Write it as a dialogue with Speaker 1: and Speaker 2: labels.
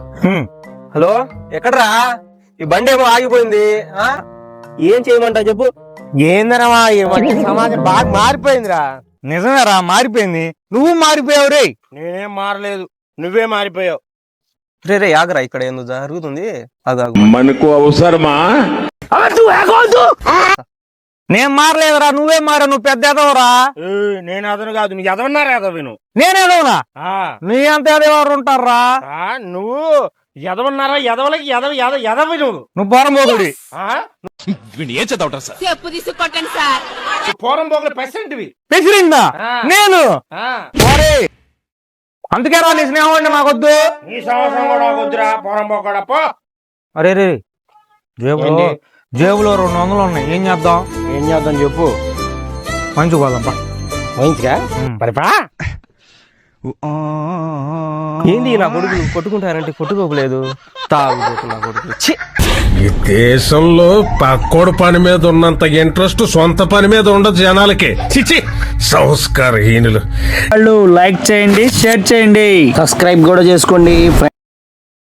Speaker 1: Hello, ఎక్కడ్రా? ఈ బండి ఏమో ఆగిపోయింది. ఏం చేయమంటావు చెప్పు.
Speaker 2: ఏందనమా సమాజం బాగా మారిపోయిందిరా. నిజమేరా, మారిపోయింది. నువ్వు మారిపోయావు రే.
Speaker 3: నేనేం మారలేదు, నువ్వే మారిపోయావు.
Speaker 1: రే ఆగరా, ఇక్కడ ఎందుకు జరుగుతుంది?
Speaker 4: మనకు అవసరమా?
Speaker 2: నేను మారలేదురా, నువ్వే మారా. నువ్వు పెద్ద ఎదవరా.
Speaker 3: నేను అదను కాదు, నీ ఎదవన్నారా ఎదవను.
Speaker 2: నేనేదవునా? నీ అంత ఎదవరు ఉంటారా?
Speaker 3: నువ్వు ఎదవన్నారా? ఎదవలకి ఎదవి
Speaker 2: నువ్వు పోరంబోగుడి.
Speaker 5: ఏం చదవటం సార్?
Speaker 6: చెప్పు తీసుకొట్టండి సార్.
Speaker 3: పోరం పోగలు పెసంటివి
Speaker 2: పెసిరిందా నేను? అందుకే రా నీ స్నేహం అంటే మాకొద్దు.
Speaker 3: నీ సంవత్సరం కూడా వద్దురా పోరం పోకడా పో.
Speaker 2: అరే రే, జేబులో 200 ఉన్నాయి. ఏం చేద్దాం?
Speaker 3: ఏం చేద్దాం చెప్పు.
Speaker 2: మంచి పోదాంపా.
Speaker 3: మంచిగా పరిపా.
Speaker 1: ఏంది నా కొడుకులు కొట్టుకుంటారంటే కొట్టుకోలేదు. తాగుబోతున్నా కొడుకు.
Speaker 4: ఈ దేశంలో పక్కోడు పని మీద ఉన్నంత ఇంట్రెస్ట్ సొంత పని మీద ఉండదు జనాలకి. చిచి సంస్కారహీనులు.
Speaker 7: వాళ్ళు లైక్ చేయండి, షేర్ చేయండి, సబ్స్క్రైబ్ కూడా చేసుకోండి.